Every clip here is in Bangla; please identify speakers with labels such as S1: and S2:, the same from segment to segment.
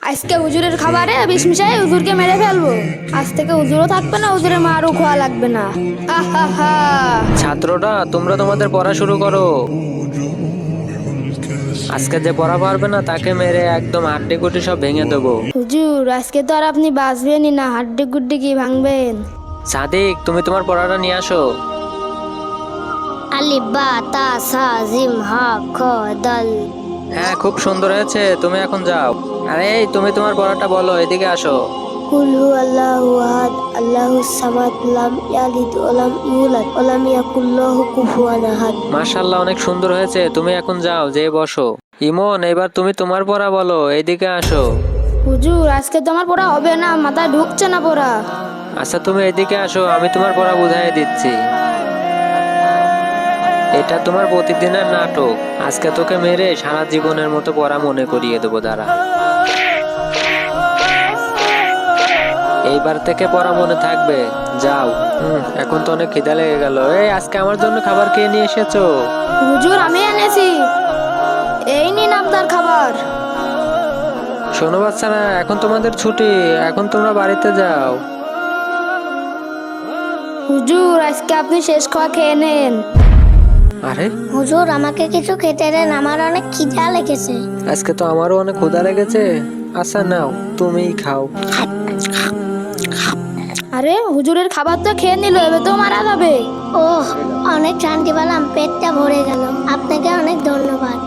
S1: আজকে হুজুরের খাবারে বিষ মিশাই হুজুরকে মেরে ফেলবো। আজ থেকে হুজুরও থাকবে না, হুজুরের মারও খোয়া লাগবে না। আহা।
S2: ছাত্ররা তোমরা তোমাদের পড়া শুরু করো। আজকে যে পড়া পারবে না তাকে মেরে একদম হাড্ডি গুটি সব ভেঙে দেবো।
S1: হুজুর আজকে তো আর আপনি বাঁচবেনই না, হাড্ডি গুড্ডি কি ভাঙবেন?
S2: সাদিক, তুমি তোমার পড়াটা নিয়ে আসো।
S3: আলিফ বা তা সা জিম হা খ দাল।
S2: হ্যাঁ, খুব সুন্দর হয়েছে, তুমি এখন যাও। আরে এই, তুমি তোমার পড়াটা বলো, এদিকে আসো।
S3: কুল হু আল্লাহু আহাদ আল্লাহুস সামাদ লাম ইয়ালিদ ওয়া লাম ইউলাদ ওয়া লাম ইয়াকুল লাহু কুফুয়ান আহাদ।
S2: মাশাআল্লাহ, অনেক সুন্দর হয়েছে, তুমি এখন যাও, যেয়ে বসো। ইমন, এবার তুমি তোমার পড়া বলো, এদিকে আসো।
S1: হুজুর আজকে তো আমার পড়া হবে না, মাথায় ঢুকছে না পড়া।
S2: আচ্ছা, তুমি এদিকে আসো, আমি তোমার পড়া বুঝাই দিচ্ছি। এটা তোমার প্রতিদিনের নাটক। আজকে তোকে মেরে সারা জীবনের মতো পড়া মনে করিয়ে দেবো, দাঁড়া। এইবার থেকে পড়া মনে থাকবে, যাও। এখন তো অনেক খিদা লেগে গেল। এই, আজকে আমার জন্য খাবার খেয়ে নিয়ে এসেছো?
S1: হুজুর আমি এনেছি, এই নিন আপনার খাবার।
S2: শোনো বাচ্চারা, এখন তোমাদের ছুটি, এখন তোমরা বাড়িতে যাও।
S1: হুজুর আজকে আপনি শেষ খাওয়া খেয়ে নেন।
S2: আরে,
S3: হুজুর আমাকে কিছু খেতে দেন, আমার অনেক খিদা লেগেছে।
S2: আজকে তো আমারও অনেক ক্ষুধা লেগেছে। আচ্ছা নাও, তুমিই খাও।
S1: আরে হুজুরের খাবার তো খেয়ে নিল, এবার তো মারা যাবে।
S3: ওহ, অনেক শান্তি পেলাম, পেটটা ভরে গেল। আপনাকে অনেক ধন্যবাদ।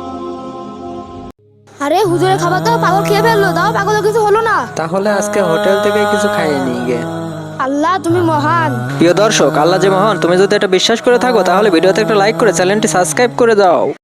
S1: আরে হুজুরের খাবার তো পাগল খেয়ে ফেললো, তাও পাগলের কিছু হলো না।
S2: তাহলে আজকে হোটেল থেকে কিছু খাইয়ে নিয়ে গে।
S1: আল্লাহ তুমি মহান।
S2: প্রিয় দর্শক, আল্লাহ যে মহান, তুমি যদি এটা বিশ্বাস করে থাকো তাহলে ভিডিওতে একটা লাইক করে চ্যানেলটি সাবস্ক্রাইব করে দাও।